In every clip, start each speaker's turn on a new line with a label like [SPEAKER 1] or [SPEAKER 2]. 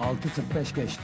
[SPEAKER 1] 6:45 geçti.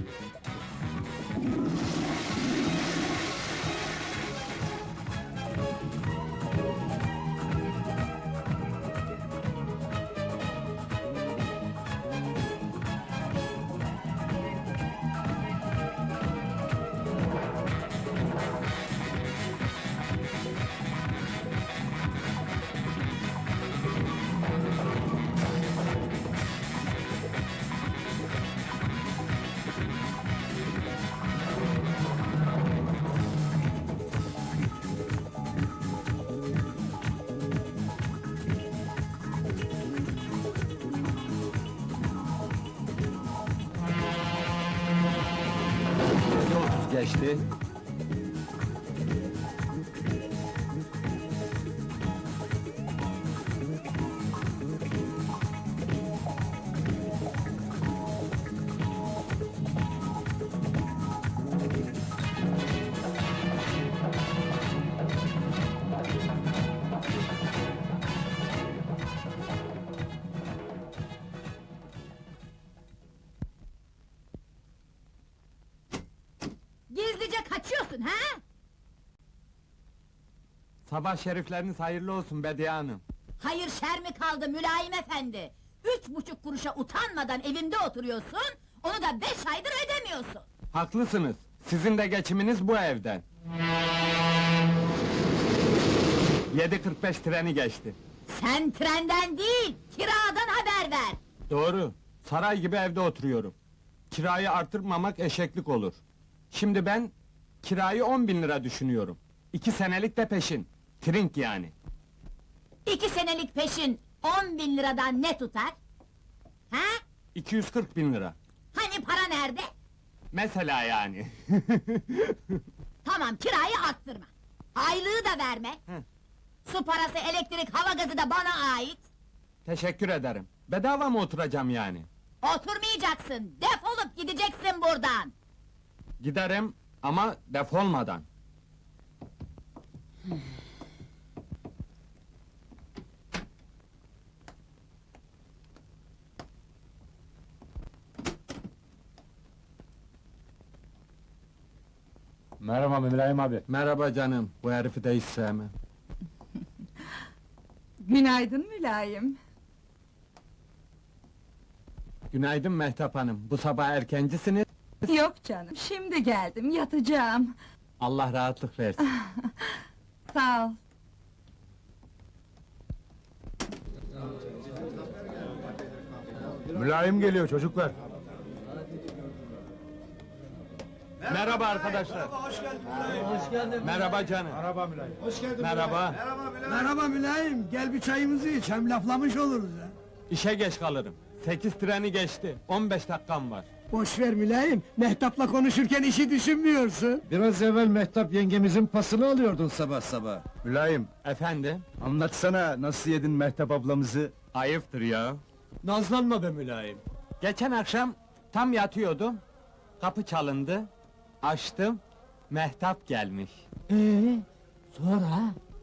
[SPEAKER 1] Geçti.
[SPEAKER 2] Gizlice kaçıyorsun ha?
[SPEAKER 1] Sabah şerifleriniz hayırlı olsun Bediye Hanım.
[SPEAKER 2] Hayır şer mi kaldı mülayim efendi? 3,5 kuruşa utanmadan evimde oturuyorsun, onu da 5 aydır ödemiyorsun.
[SPEAKER 1] Haklısınız. Sizin de geçiminiz bu evden. 7:45 treni geçti.
[SPEAKER 2] Sen trenden değil, kiradan haber ver!
[SPEAKER 1] Doğru. Saray gibi evde oturuyorum. Kirayı artırmamak eşeklik olur. Şimdi ben kirayı 10.000 lira düşünüyorum. 2 senelik de peşin. Trink yani.
[SPEAKER 2] 2 senelik peşin 10.000 liradan ne tutar? Ha?
[SPEAKER 1] 240.000 lira.
[SPEAKER 2] Hani para nerede?
[SPEAKER 1] Mesela yani.
[SPEAKER 2] Tamam, kirayı arttırma. Aylığı da verme.
[SPEAKER 1] Hı.
[SPEAKER 2] Su parası, elektrik, hava gazı da bana ait.
[SPEAKER 1] Teşekkür ederim. Bedava mı oturacağım yani?
[SPEAKER 2] Oturmayacaksın, defolup gideceksin buradan!
[SPEAKER 1] Giderim ama defolmadan.
[SPEAKER 3] Merhaba Mülayim abi.
[SPEAKER 1] Merhaba canım. Bu herifi de hiç sevmem.
[SPEAKER 4] Günaydın mülayim.
[SPEAKER 1] Günaydın Mehtap Hanım. Bu sabah erkencisiniz.
[SPEAKER 4] Yok canım, şimdi geldim, yatacağım.
[SPEAKER 1] Allah rahatlık versin.
[SPEAKER 4] Sağ ol.
[SPEAKER 3] Mülayim geliyor çocuklar.
[SPEAKER 1] Merhaba arkadaşlar.
[SPEAKER 5] Hoş geldin.
[SPEAKER 1] Merhaba canım.
[SPEAKER 3] Merhaba Mülayim.
[SPEAKER 5] Hoş geldin.
[SPEAKER 1] Merhaba.
[SPEAKER 5] Merhaba mülayim. Gel bir çayımızı iç. Hem laflamış oluruz ha.
[SPEAKER 1] İşe geç kalırım. 8 treni geçti. 15 dakikam var.
[SPEAKER 5] Boş ver mülayim. Mehtap'la konuşurken işi düşünmüyorsun.
[SPEAKER 6] Biraz evvel Mehtap yengemizin pasını alıyordun sabah sabah.
[SPEAKER 3] Mülayim,
[SPEAKER 1] Efendim?
[SPEAKER 6] Anlatsana nasıl yedin Mehtap ablamızı?
[SPEAKER 1] Ayıptır ya. Nazlanma be mülayim. Geçen akşam tam yatıyordum. Kapı çalındı. Açtım. Mehtap gelmiş.
[SPEAKER 5] Sonra?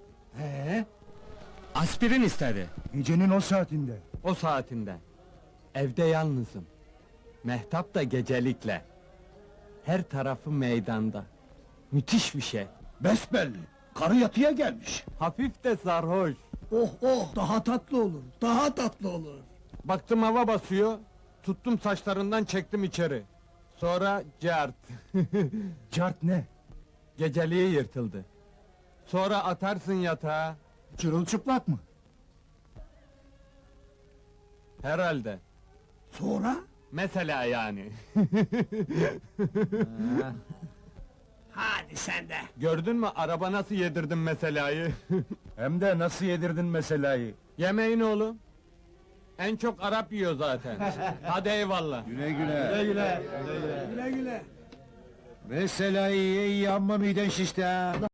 [SPEAKER 1] Aspirin istedi.
[SPEAKER 6] Gecenin o saatinde.
[SPEAKER 1] O saatinde. Evde yalnızım. Mehtap da gecelikle. Her tarafı meydanda. Müthiş bir şey.
[SPEAKER 6] Besbelli. Karı yatıya gelmiş.
[SPEAKER 1] Hafif de sarhoş.
[SPEAKER 5] Oh oh, daha tatlı olur. Daha tatlı olur.
[SPEAKER 1] Baktım hava basıyor. Tuttum saçlarından çektim içeri. Sonra cart.
[SPEAKER 6] Cart ne?
[SPEAKER 1] Geceliği yırtıldı. Sonra atarsın yatağa.
[SPEAKER 6] Çırılçıplak mı?
[SPEAKER 1] Herhalde.
[SPEAKER 5] Sonra?
[SPEAKER 1] Mesela yani.
[SPEAKER 5] Hadi sen de.
[SPEAKER 1] Gördün mü araba nasıl yedirdim meselayı?
[SPEAKER 6] Hem de nasıl yedirdin meselayı?
[SPEAKER 1] Yemeğin oğlum. En çok Arap yiyor zaten. Hadi eyvallah.
[SPEAKER 6] Güle güle.
[SPEAKER 5] Güle güle.
[SPEAKER 6] Meselayı ye iyi amma miden şişti ha.